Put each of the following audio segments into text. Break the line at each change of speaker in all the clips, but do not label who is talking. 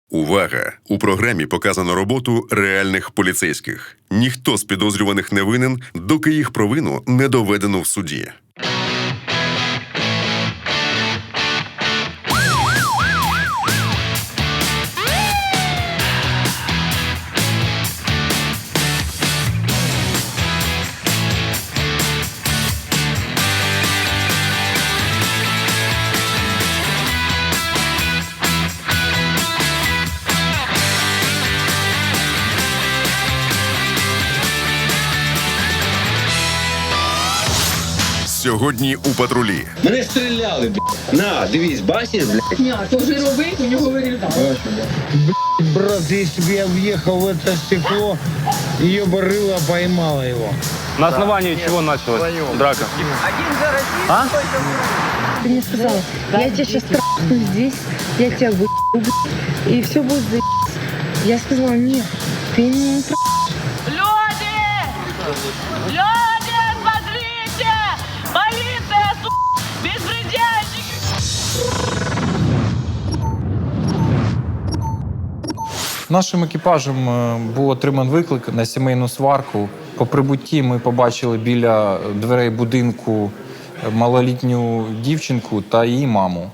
Увага! У програмі показано роботу реальних поліцейських. Ніхто з підозрюваних не винен, доки їх провину не доведено в суді. Сьогодні у патрулі.
Мене стріляли, блядь. На, дивись, бачиш, блядь?
Ні, то жировик, у нього вирізали.
Блядь, брат, если бы я въехал в это стекло, ее бы рыло поймало его.
На основании чего началась драка? А?
Ты мне сказала, я тебя сейчас трахну здесь, я тебя выебу, и все будет заебись. Я сказала, нет, ты меня не трахнешь.
Люди! Люди, смотрите! Полиция, беспредельщики!
Нашим екіпажем був отриманий виклик на сімейну сварку. По прибутті ми побачили біля дверей будинку малолітню дівчинку та її маму.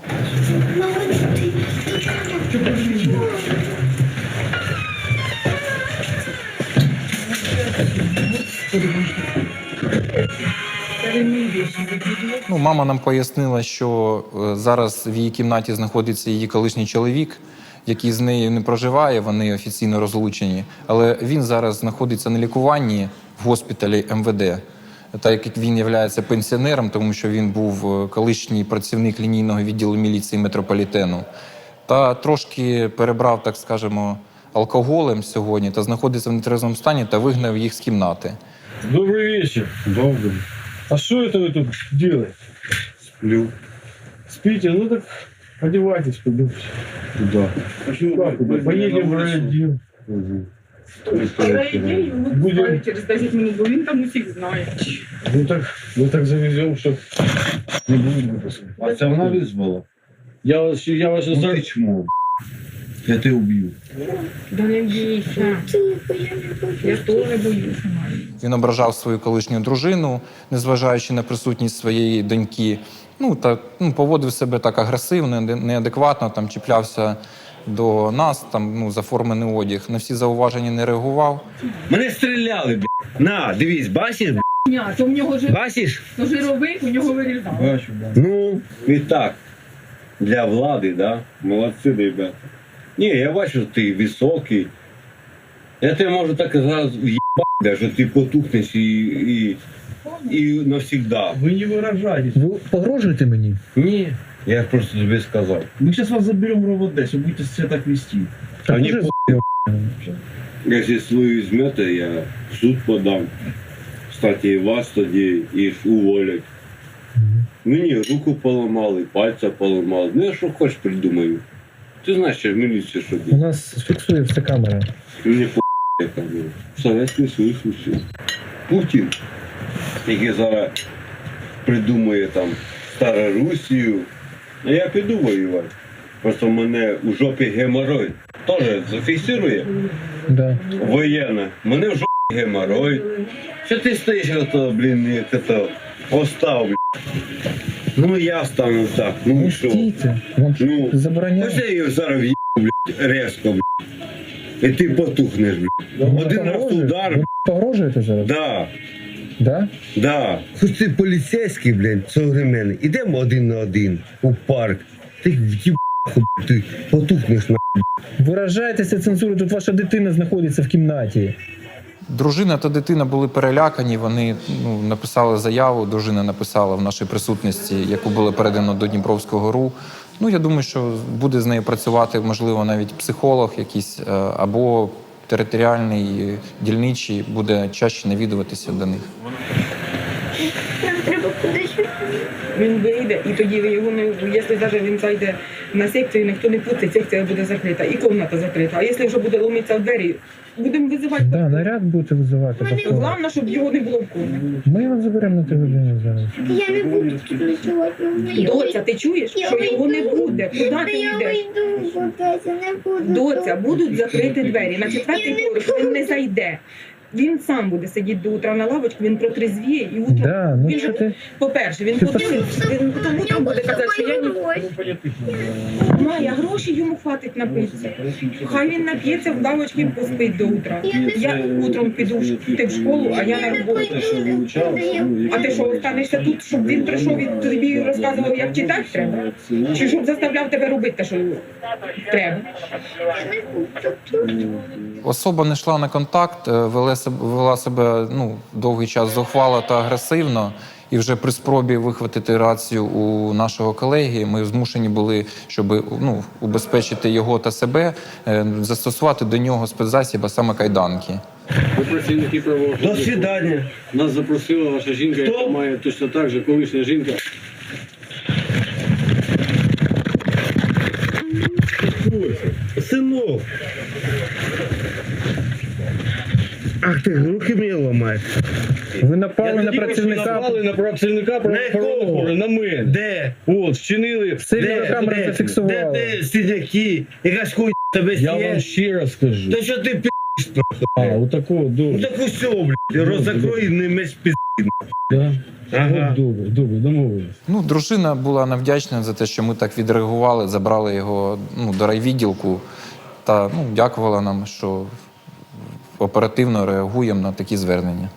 Мама нам пояснила, що зараз в її кімнаті знаходиться її колишній чоловік, який з нею не проживає, вони офіційно розлучені. Але він зараз знаходиться на лікуванні в госпіталі МВД. Так як він є пенсіонером, тому що він був колишній працівник лінійного відділу міліції метрополітену. Та трошки перебрав, так скажемо, алкоголем сьогодні та знаходиться в нетрезвому стані та вигнав їх з кімнати.
Добрый вечер. Добрый. А что это вы тут делаете?
Сплю.
Спите? Ну так одевайтесь, пойдем.
Куда?
Поедем в райотдел.
Будемо через 10 минут, бо він там усіх знає.
Ну так завезем, что не будет выпуска.
А це вона визвала?
Я вас
Ти чмо, я тебе уб'ю.
Да не бійся. Я теж боюся.
Він ображав свою колишню дружину, незважаючи на присутність своєї доньки. Поводив себе так агресивно, неадекватно, чіплявся до нас, за формений одяг. На всі зауваження не реагував.
Мене стріляли, блядь. На, дивись, бачиш, блядь?
Ні, то в нього
Бачиш?
то жировик, у нього вирізали.
Бачу, да.
Ну, і так. Для влади, да? Молодці, ребята. Ні, я бачу, що ти високий. Я тебе можу так зараз в'їбати, що ти потухнеш і навсегда.
Вы не выражайтесь.
Вы погрожуете мне?
Ні, я просто тобі сказав.
Мы сейчас вас заберем в РОВД, если будете себя так вести.
А мені
уже
якщо свою візьмете, я в суд подам. Кстати, і вас тоді їх уволять. Мені руку поламали, пальця поламали. Ну я що хоч придумаю. Ти знаєш, що в міліції що
У
буде.
нас фиксует вся камера.
Мені яка була. Советський Союз усі. Путін, який зараз придумує Старорусію. А я піду воювати. Просто в мене у жопі геморрой. Теж зафіксує
Да.
воєнне. В мене в жопі геморрой. Що ти стоїш, як постав, блядь. Ну я стану так, ну і що?
Пустите. Вам
Ну,
забороняют.
ось я її зараз в'їбу, блядь, резко, блядь. І ти потухнеш, блядь. Один раз удар,
Вы погрожуете зараз?
да,
Да?
да. Хоч ти поліцейський, блядь, современний. Ідемо один на один у парк. Ти в'їбаху, ти потухнеш, на.
Виражайтеся цензурою, тут ваша дитина знаходиться в кімнаті.
Дружина та дитина були перелякані, вони написали заяву, дружина написала в нашій присутності, яку було передано до Дніпровського РУ. Я думаю, що буде з нею працювати, можливо, навіть психолог якийсь, або територіальний, дільничий, буде чаще навідуватися до них.
Він вийде, і тоді ви його не... Якщо навіть він зайде на секцію ніхто не пустить, секція буде закрита, і кімната закрита. А якщо вже буде ломитися в двері, будемо визивати.
Да, наряд будете визивати.
Головне, щоб його не було в комі.
Ми його заберемо на 3 години зараз.
Я не буду ночувати.
Доця, ти чуєш, що його не буде? Куди ти
Я
йдеш?
вийду, Доця, не буду.
Доця, будуть закриті двері. На 4-й поверх він не зайде. Він сам буде сидіти до утра на лавочці, він протрезвіє і утром.
Да, ну
Він
що
же,
ти?
по-перше, він подивиться, він потім утром буде казати, що я Майя, гроші йому хватить напитися. Хай він нап'ється в лавочці і поспить до утра. Я утром піду ти в школу, а я на роботу. А ти що, останешся тут, щоб він прийшов і тобі розказував, як читати треба? Чи щоб заставляв тебе робити те, що треба?
Особа не йшла на контакт, вела себе довгий час зухвало та агресивно. І вже при спробі вихватити рацію у нашого колеги ми змушені були, щоб убезпечити його та себе, застосувати до нього спецзасіб, а саме кайданки.
Ви працівники правоохоронних.
До свидання.
Нас запросила ваша жінка, яка має точно так же, колишня жінка.
Синок. Ах ти, руки мені ламаєш.
Ви напали на працівника.
Напали на працівника правоохоронних, на мене.
Де?
От, вчинили.
Все відеокамери зафіксували.
Де сидяки? Якась хуй тебе
Я вам
сіє?
ще раз скажу.
Та що ти пі***?
А, отакого,
Ну
добре.
так усьо, блядь, роззакрой і не меч пі***.
Да?
Ага.
От добре, домовились.
Дружина була нам вдячна за те, що ми так відреагували, забрали його до райвідділку та дякувала нам, що оперативно реагуємо на такі звернення.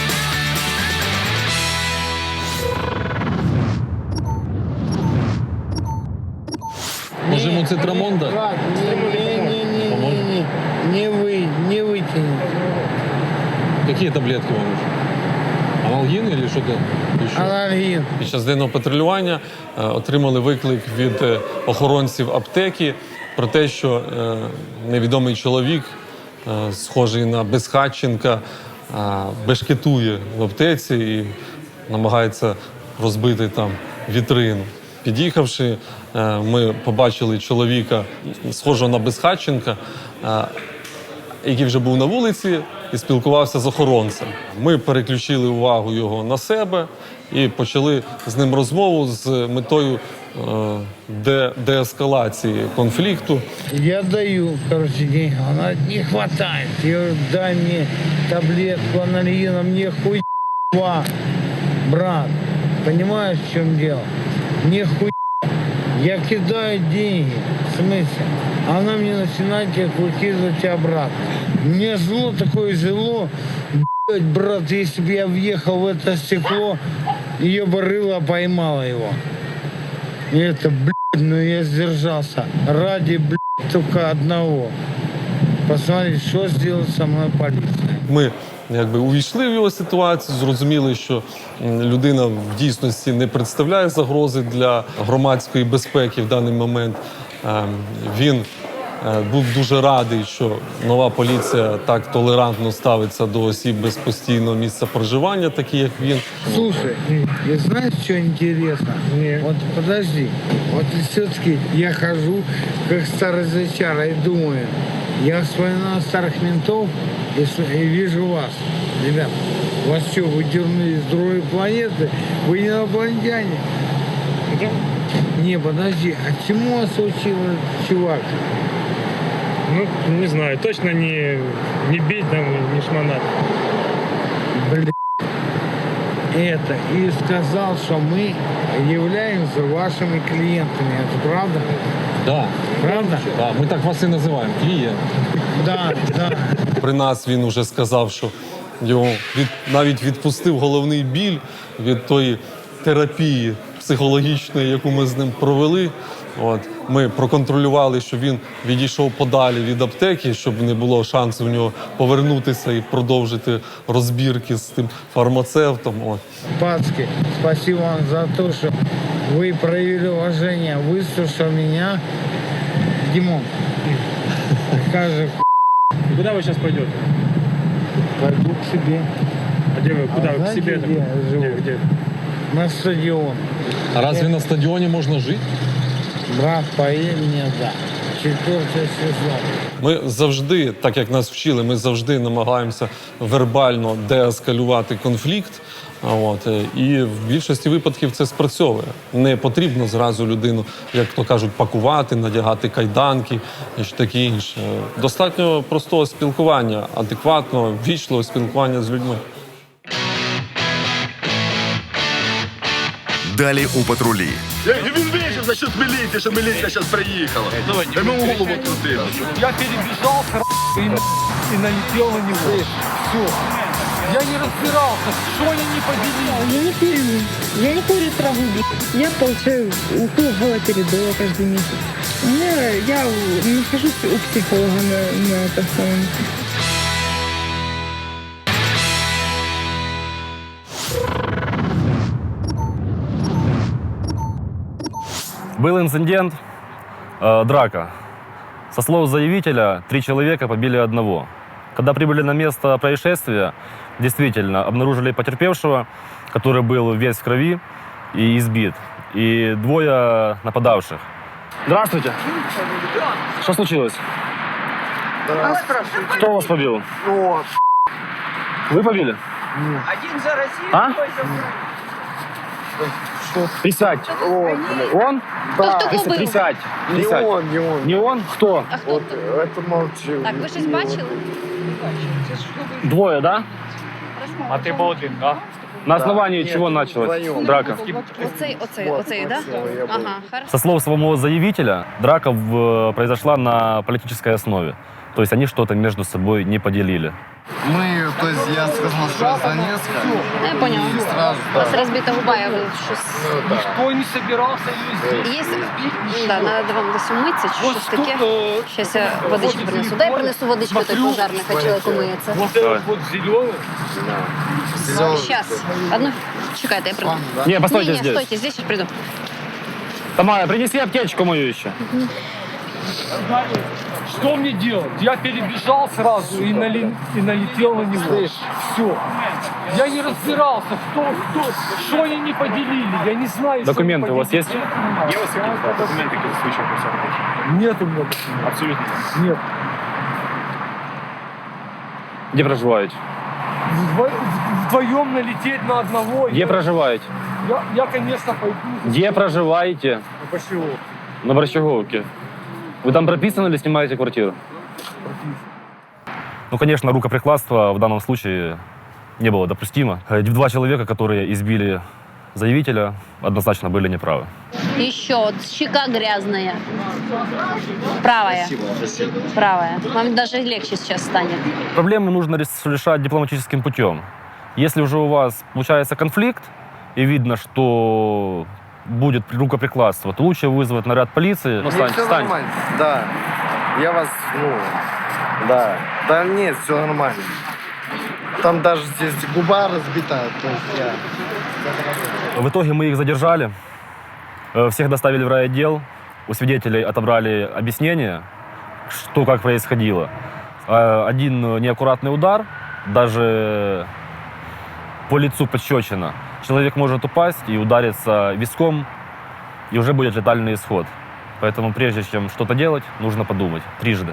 Може йому цитрамон дати?
Не вытянет.
Які таблетки вам нужны? Аналгін чи що це?
Аларгин.
Під час денного патрулювання отримали виклик від охоронців аптеки про те, що невідомий чоловік, схожий на Безхатченка, бешкетує в аптеці і намагається розбити там вітрину. Під'їхавши, ми побачили чоловіка, схожого на Безхатченка, який вже був на вулиці і спілкувався з охоронцем. Ми переключили увагу його на себе і почали з ним розмову з метою деескалації конфлікту.
Я даю, деньги. Она говорит, не хватает. Я говорю, дай мне таблетку анальгина, мне хуйва. Брат, понимаешь, в чем дело? Мне хуйва. Я кидаю деньги. В смысле? Она мне начинает их выкидывать обратно. Мне зло такое зло. Блядь, брат, если бы я въехал в это стекло, ее бы рыло поймало его. И это, блядь, ну я сдержался. Ради, блядь, только одного. Посмотреть, что сделает со мной полиция.
Ми увійшли в його ситуацію, зрозуміли, що людина в дійсності не представляє загрози для громадської безпеки в даний момент. Він був дуже радий, що нова поліція так толерантно ставиться до осіб без постійного місця проживання, такі як він.
Слушай, и знаешь, что интересно? Вот подожди, вот все-таки я хожу, как старый зачара, и думаю, я вспоминаю старых ментов и вижу вас. Ребят, вас что, вы дернули с другой планеты? Вы не инопланетяне? Не, подожди, а чему вас учил этот чувак?
Ну, не знаю, точно не бить там, не шмонать.
Блин. Это. И сказал, что мы являемся вашими клиентами. Это правда?
Да,
Правда?
да, ми так вас і називаємо, клієнт.
Да, да.
При нас він уже сказав, що його навіть відпустив головний біль від тої терапії психологічної, яку ми з ним провели. Ми проконтролювали, що він відійшов подалі від аптеки, щоб не було шансу в нього повернутися і продовжити розбірки з тим фармацевтом.
Пацки, спасибо вам за то, что вы проявили уважение, выслушал меня. Димон, скажи,
Куда вы сейчас пойдете?
пойду к себе.
А где вы? Куда?
А
К
знаете,
себе?
где я живу?
Где?
На стадион.
А разве на стадіоні можна жити?
Брат, поверь мне, да. 4-й сезон.
Ми завжди, так як нас вчили, ми завжди намагаємося вербально деескалювати конфлікт. І в більшості випадків це спрацьовує. Не потрібно зразу людину, як то кажуть, пакувати, надягати кайданки і таке інше. Достатньо простого спілкування, адекватного, ввічливого спілкування з людьми.
Далі у патрулі.
Він вийшов за счет міліції, що міліція зараз приїхала. Йому голову крутили.
Я перебежал и налетел на него. Все. Я не разбирался, что они не поделили.
Я не курю. Я не курю траву, блядь. Я получаю укол галоперидола каждый месяц. Я нахожусь у психолога на этом самом.
Был инцидент, драка. Со слов заявителя, 3 человека побили одного. Когда прибыли на место происшествия, действительно обнаружили потерпевшего, который был весь в крови и избит, и 2 нападавших. Здравствуйте. Что случилось? Кто вас побил? Вы побили?
Один за Россию,
А?
другой за
Присядь. Он?
Да. Хто кого бив?
Присядь. Присядь. Не он? Кто?
А хто? Так, ви щось бачили?
2, да?
А ты был один, да?
На основании чего началась драка?
Оцей, да? Ага, хорошо.
Со слов самого заявителя, драка произошла на политической основе. То есть они что-то между собой не поделили.
Я сказав, що з Донецька.
Я поняла. У вас разбита губа, я щось...
Никто не собирался ее здесь.
Є... Да, надо вам десь умитися, чи щось таке. Щас я водичку принесу. Дай принесу водичку той пожарний, хай чоловік умиється.
Вот этот вот зеленый.
Щас. Одну... Чекайте, я приду.
Не, постойте
Не,
здесь.
стойте, здесь сейчас приду.
Тамара, принеси аптечку мою еще.
Что мне делать? Я перебежал сразу и налетел на него. Все. Я не разбирался, что они не поделили. Я не знаю,
Документы
что
у вас есть?
Документы какие-то случаи? Нет у меня документов.
Абсолютно.
Нет.
Где проживаете?
Вдвоем налететь на одного.
Где проживаете?
Я, конечно, пойду.
Где проживаете?
Почему?
На Борщаговке. Вы там прописаны или снимаете квартиру? Ну, конечно, рукоприкладство в данном случае не было допустимо. 2 человека, которые избили заявителя, однозначно были неправы.
Еще вот щека грязная. Правая.
Спасибо.
Правая. Вам даже легче сейчас станет.
Проблемы нужно решать дипломатическим путем. Если уже у вас получается конфликт, и видно, что будет рукоприкладство, то лучше вызвать наряд полиции. Ну,
Все нормально. Да. Я вас, да. Да нет, все нормально. Там даже здесь губа разбита. То есть я...
В итоге мы их задержали, всех доставили в райотдел, у свидетелей отобрали объяснение, что как происходило. Один неаккуратный удар, даже по лицу пощечина. Человек может упасть и удариться виском, и уже будет летальный исход. Поэтому прежде чем что-то делать, нужно подумать трижды.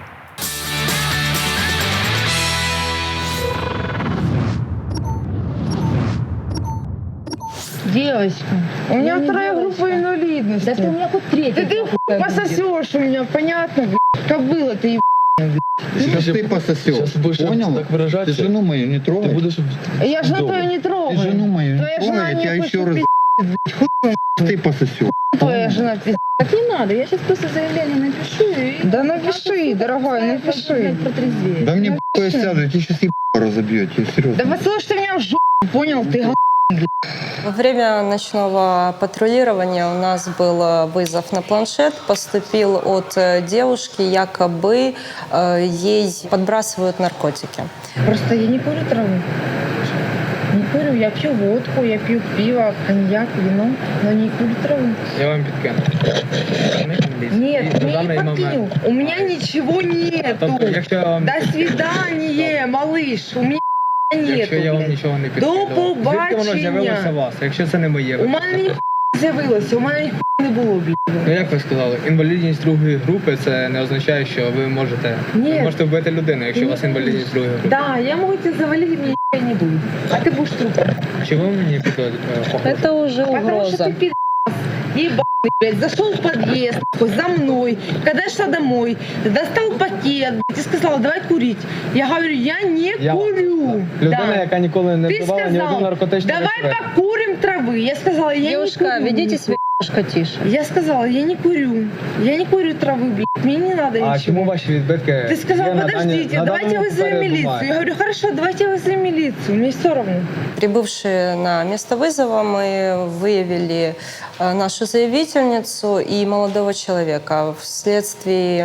Девочка,
У меня 2-я группа инвалидности.
да ты у меня хоть 3-я.
Ты пососешь у меня, понятно, блядь? Кобыла ты,
Сейчас ты пососешь. Понял? Так выражаться. Ты жену мою не трогай. Ты будешь...
Я жену твою не трогаю.
Ты жену мою
Твоя
не
жена
трогай, я
не
тебя
хочет
еще раз... Ты пососешь.
Твоя жена пиздец.
Так не надо, я сейчас просто заявление напишу и...
Да напиши, дорогой, напиши.
Протрезвеет.
Да мне б***ь сяду, я тебе сейчас разобьете, серьезно.
Да послушай ты меня в жопу, понял? Ты
Во время ночного патрулирования у нас был вызов на планшет. Поступил от девушки, якобы ей подбрасывают наркотики.
Просто я не курю траву. Не курю, я пью водку, я пью пиво, коньяк, вино, но не курю траву.
Я вам підкину.
Нет, мне не подкинул. У меня ничего нету. До свидания, малыш. У меня нету.
Якщо я вам
блядь.
нічого не
До
підкидав. Звідки воно з'явилося у
побачення.
вас? Якщо це не моє.
У мене ні
з'явилося, у мене ніхуя не було, блядь.
Ну як ви сказали, інвалідність другої групи це не означає, що ви можете вбити людину, якщо у вас інвалідність другої групи.
Да, я можу тебе завалить, мне ніхуя не буде. А ти будеш тут.
Чого мені похоже?
Это уже
Потому что
угроза.
ты пи***ц, ебаный, блядь, зашел в подъезд, за мной, когда я шла домой, достал пакет, блядь, и сказал, давай курить. Я говорю, я не курю.
Людина, яка ніколи не
Ты
вживала ні одного
сказал,
наркотичного
давай
речовини.
покурим травы. Я сказала, я
Девушка,
не курю.
ведите себя немножко тише.
Я сказала, я не курю. Я не курю травы, блядь, мне не надо
А
ничего.
чому ваші відбитки?
Ты сказал,
є на
подождите,
на
давайте
даному
вызовем
папері
милицию.
бумаги?
Я говорю, хорошо, давайте вызовем милицию, мне все равно.
Прибывшие на место вызова, мы выявили нашу заявительницу и молодого человека. Вследствие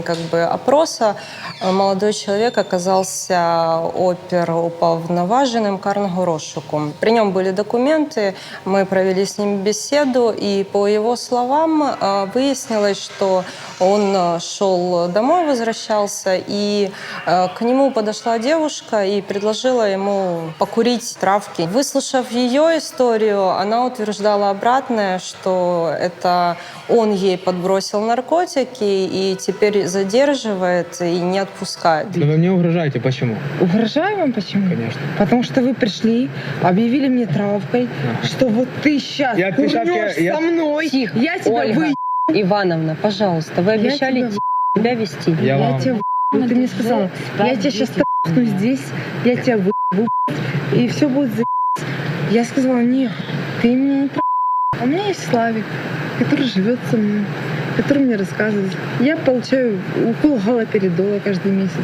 опроса молодой человек оказался оперуповноваженным карного розшуку. При нем были документы, мы провели с ним беседу, и по его словам выяснилось, что он шел домой, возвращался, и к нему подошла девушка и предложила ему покурить травки. Выслушав ее историю, она утверждала обратное, что это он ей подбросил наркотики и теперь задерживает и не отпускает.
Но вы мне угрожаете, почему?
Угрожаю вам почему?
Конечно.
Потому что вы пришли, объявили мне травкой, что вот ты сейчас
Я
курнешь
я-
со мной,
Тихо,
я тебя
Ольга.
Ивановна,
пожалуйста, вы
обещали
себя вести.
Я вам...
тебя ты мне сказала, я тебя сейчас трахну здесь, я тебя выебу, и все будет за***ь. Я сказала, нет, ты меня не трахай. У меня есть Славик, который живет со мной, который мне рассказывает. Я получаю укол галоперидола каждый месяц.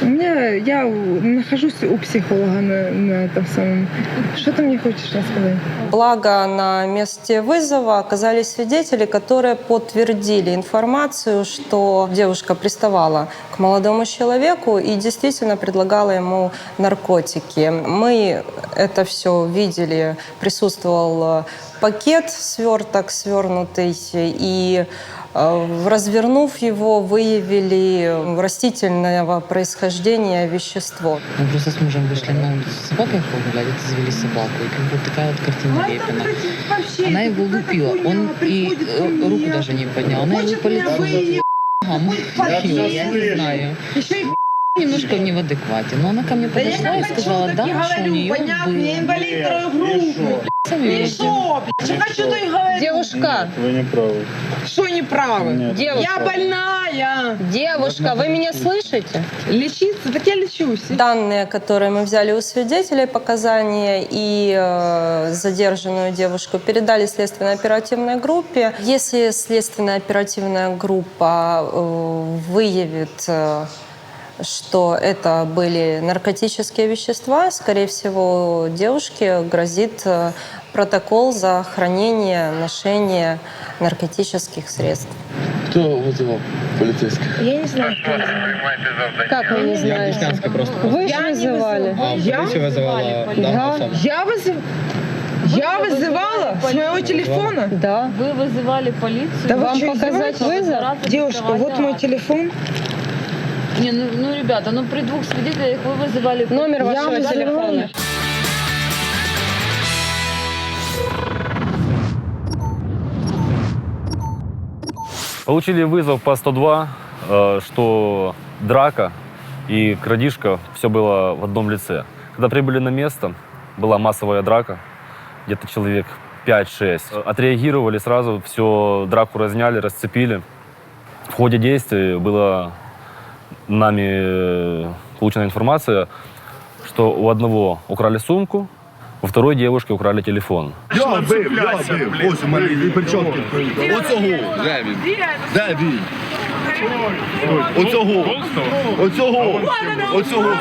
Я нахожусь у психолога на этом самом. Что ты мне хочешь рассказать?
Благо на месте вызова оказались свидетели, которые подтвердили информацию, что девушка приставала к молодому человеку и действительно предлагала ему наркотики. Мы это все видели, присутствовал пакет, сверток свернутый, и развернув его, выявили растительного происхождения вещество.
Мы просто с мужем вышли на улицу с собакой погулять, это завели собаку. И как вот такая вот картина Репина. Она его лупила, он и руку даже не поднял. Она его по лицу. Я не знаю. Немножко не в адеквате. Но она ко мне подошла и сказала, да, что у нее был.
Девушка!
Вы не правы.
Что не правы?
Девушка!
Я больная!
Девушка, вы меня слышите?
Лечиться? Так я лечусь.
Данные, которые мы взяли у свидетелей, показания и задержанную девушку передали следственно-оперативной группе. Если следственно-оперативная группа выявит, что это были наркотические вещества, скорее всего, девушке грозит протокол за хранение, ношение наркотических средств.
Кто вызывал полицейских?
Я не знаю, кто вызывал.
Как вы не
Я
знаете?
Деснянська просто.
Вы же
Я не
вызывали.
А поліцію визивала дана особа.
Я вызывала с моего телефона?
Да.
Вы вызывали полицию? Да
Вам
вы
показать вызов?
Девушка, вот мой телефон.
Не, ну, ребята, при двух свидетелях вы вызывали...
Номер вашего телефона.
Получили вызов по 102, что драка и крадежка, все было в одном лице. Когда прибыли на место, была массовая драка, где-то человек 5-6. Отреагировали сразу, все, драку разняли, расцепили. В ходе действий была нами получена информация, что у одного украли сумку, у второй девушки украли телефон.
Я бив. Ось у мене і перчатки. Оцього. Де він? Де він? Оцього.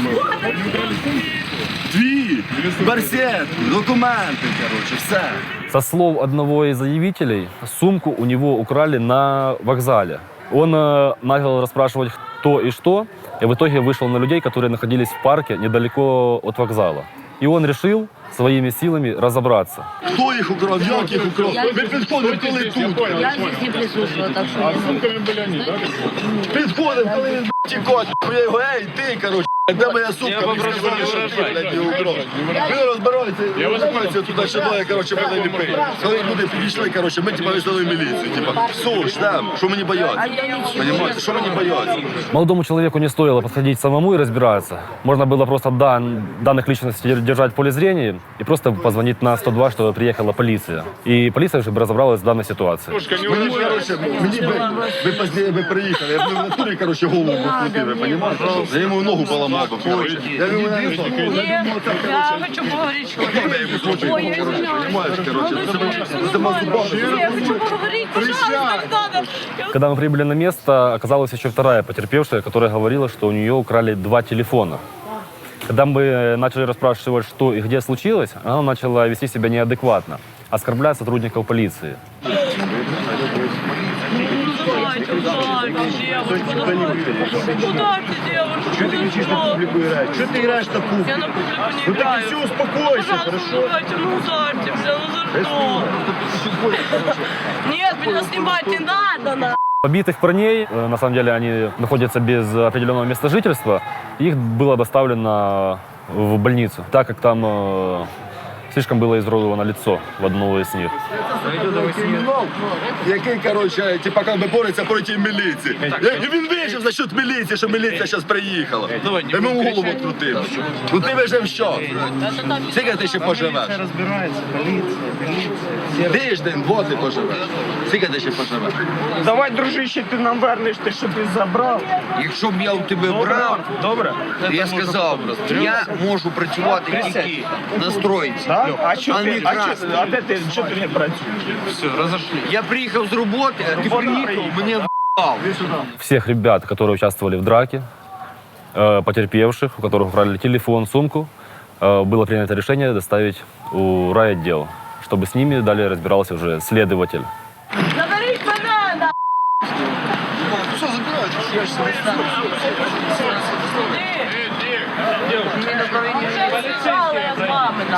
Твій. Барсет. Документи, короче, все.
Со слов одного из заявителей, сумку у него украли на вокзале. Он начал расспрашивать, кто и что, и в итоге вышел на людей, которые находились в парке недалеко от вокзала. И он решил своими силами разобраться.
Хто їх украв? Як їх украв? Ви підходили, коли тут?
Я здесь не присутствовала, так что...
Підходив, коли він тікать. Я його, ей, ти, короче. Де моя сумка? Мені сказали, що ти, блядь, не угрожай. Ви розбираються туди шиною, коротше, мене не пили. Коли люди підійшли, коротше, ми типа визнали міліцію. Типа, суш, там, що мені бояться? Понимаете, що мені бояться?
Молодому человеку не стоило подходить самому и разбираться. Можно было просто данных личностей держать в поле зрения и просто позвонить на 102, чтобы приехала полиция. И полиция уже бы разобралась в данной ситуации.
Мені, коротше, ви поздніше би приїхали, я б в натурі, коротше, голову покрутив, ви розумієте? Я йому ногу поламав би, коротше. Я йому не знаю.
Я хочу поговорить. Ой, я извиняюсь. Я хочу поговорить, пожалуйста, не надо.
Когда мы прибыли на место, оказалась еще вторая потерпевшая, которая говорила, что у нее украли 2 телефона. Когда мы начали расспрашивать, что и где случилось, она начала вести себя неадекватно, оскорблять сотрудников полиции.
Давайте, девушку, ударьте девушку.
Что ты кричишь на публику играешь? Что ты играешь на публику?
Я на публику не
Ну так
играю.
и все, успокойся,
Пожалуйста,
хорошо?
ударьте, ну ударьте, бля, ну за что? Нет, меня снимать не надо, на.
Побитых парней, на самом деле, они находятся без определенного места жительства. Их было доставлено в больницу, так как там слишком было изуродовано лицо в одного из них.
Який, коротше, типа, как би бореться проти міліції. І він вижив за счет міліції, що міліція зараз приїхала. Я йому голову відкрутив. Ну ти вижив що? Скільки ти ще поживеш? Тиждень, вот ти поживеш. Скільки ти ще поживеш?
Давай, дружище, ти нам вернеш те, що ти забрав.
Якщо б я у тебе брав,
Добре?
я сказав просто, я можу працювати тільки настроїтися.
Да? А що
А не
ти,
красти.
а де ти, що ти не працюєш?
Все, розійшли. Я приїхав з роботи, а ти приїхав, мене в***ав.
Всех ребят, которые участвовали в драке, потерпевших, у которых украли телефон, сумку, было принято решение доставить у райотдел, чтобы с ними далее разбирался уже следователь.
Заберіть мене, на.
Що забираєте?
Побежала я с вами, на.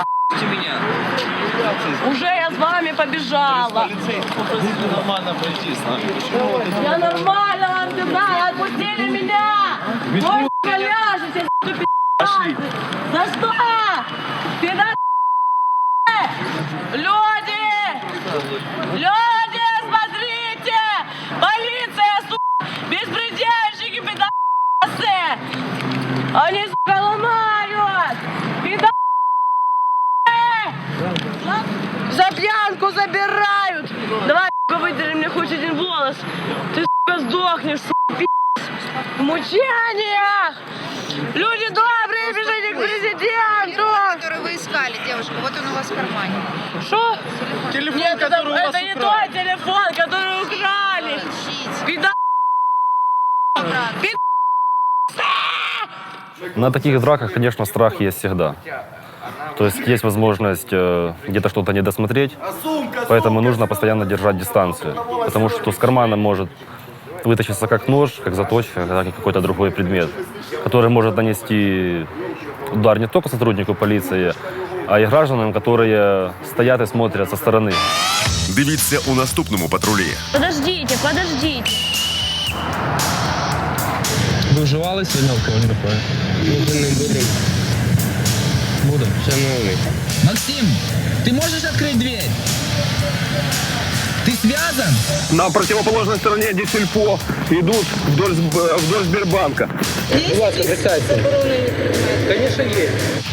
Уже я с вами побежала. Я нормально вам сказала, отпустили меня. Вы ляжете, пи***цы. За что? Пидор. Люди! Люди, смотрите! Полиция, беспредельщики, пидорасы! Они, сука, ломают! Пидорасы! За пьянку забирают! Давай, сука, выдери мне хоть один волос! Ты, сука, сдохнешь, сука, пи***ц! В мучениях! Люди добрые, бежите к президенту!
Который вы искали, девушка, вот он у вас в кармане.
Что?
Телефон,
Нет,
который у вас
это не
украли.
тот телефон, который украли! Пидор!
На таких драках, конечно, страх есть всегда. То есть есть возможность где-то что-то не досмотреть, поэтому нужно постоянно держать дистанцию. Потому что с кармана может вытащиться как нож, как заточка, как и какой-то другой предмет, который может нанести удар не только сотруднику полиции, а и гражданам, которые стоят и смотрят со стороны.
Дивіться у наступному патрулі.
Подождите, подождите.
Ви вживали сьогодні алкогольні напої?
Може не будемо.
Будемо.
Шановний.
Максим, ти можеш відкрити двері? Ты связан?
На противоположной стороне Дисельпо идут вдоль Сбербанка.
Будь ласка, представься. Конечно, є.